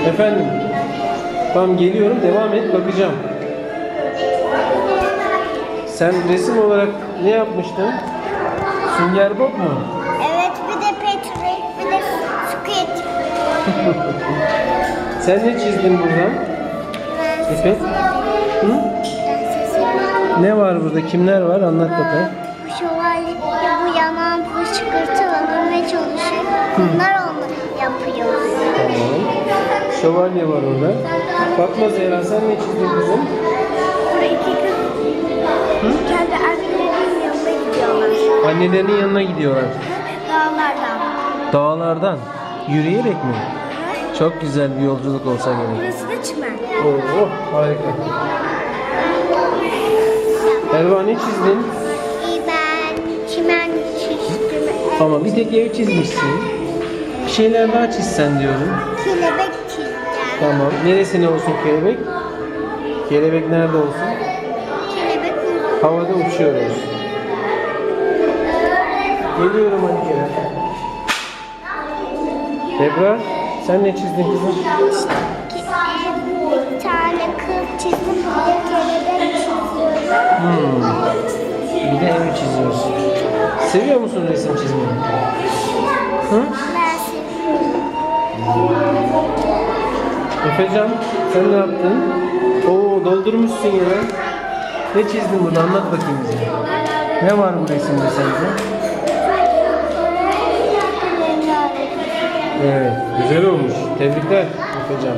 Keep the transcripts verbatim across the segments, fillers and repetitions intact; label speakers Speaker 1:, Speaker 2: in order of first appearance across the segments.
Speaker 1: Efendim? Tamam geliyorum, devam et, bakacağım. Sen resim olarak ne yapmıştın? Sünger Bob mu?
Speaker 2: Evet, bir de Patrick, bir de Squid.
Speaker 1: Sen ne çizdin buradan? İpek? Hı? Ne var burada? Kimler var? Anlat bakalım.
Speaker 2: Bu şövalye, bu yanan fışkırtı öldürmeye çalışıyor. Bunlar onu yapıyor.
Speaker 1: Tamam. Şövalye var orada. Fatma Zehra, sen ne çizdin kızım?
Speaker 2: Burada iki kız kendi annelerinin yanına gidiyorlar.
Speaker 1: Annelerinin yanına gidiyorlar.
Speaker 2: Dağlardan.
Speaker 1: Dağlardan. Yürüyerek mi? Çok güzel bir yolculuk olsa gerek.
Speaker 2: Burası da çimen.
Speaker 1: Oo, harika. Erva ne çizdin?
Speaker 2: Ben çimen çizdim.
Speaker 1: Ama bir tek ev çizmişsin. Bir şeyler daha çizsen diyorum.
Speaker 2: Kelebek çizdim.
Speaker 1: Tamam. Neresine olsun kelebek? Kelebek nerede olsun?
Speaker 2: Kelebek
Speaker 1: Havada uçuyoruz. Geliyorum hadi Kerem. Ebrar, sen ne çizdin kızım?
Speaker 2: bir tane kız çizdim. Bir de kelebek çiziyorum.
Speaker 1: Hmm. Bir de ev çiziyorsun. Seviyor musun resim çizmeyi? Hı?
Speaker 2: Ben seviyorum.
Speaker 1: Efecan, sen ne yaptın? Oo, doldurmuşsun ya. Ne çizdin burada? Anlat bakayım bize. Ne var bu resimde sence? Evet, güzel olmuş. Tebrikler Efecan.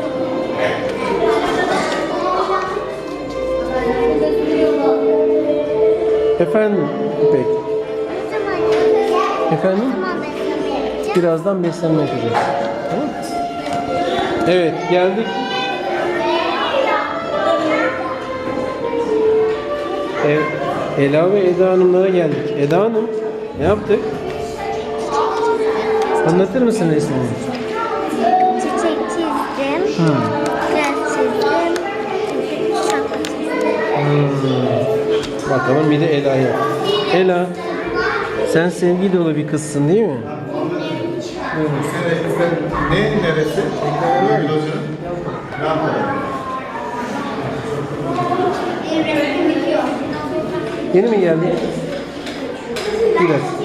Speaker 1: Efendim İpek. Efendim? Birazdan beslenme yapacağız. Tamam. Evet, geldik. Evet, Ela ve Eda Hanımlara geldik. Eda Hanım, ne yaptık? Anlatır mısın resmini?
Speaker 2: Çiçek çizdim.
Speaker 1: Hmm.
Speaker 2: Gel çizdim. Şapka çizdim.
Speaker 1: Hmm. Bakalım bir de Ela'ya. Ela, sen sevgi dolu bir kızsın değil mi?
Speaker 3: Ne neresi? Gül Hoca'nın. Ne yapalım?
Speaker 1: Yeni mi geldin? Biraz.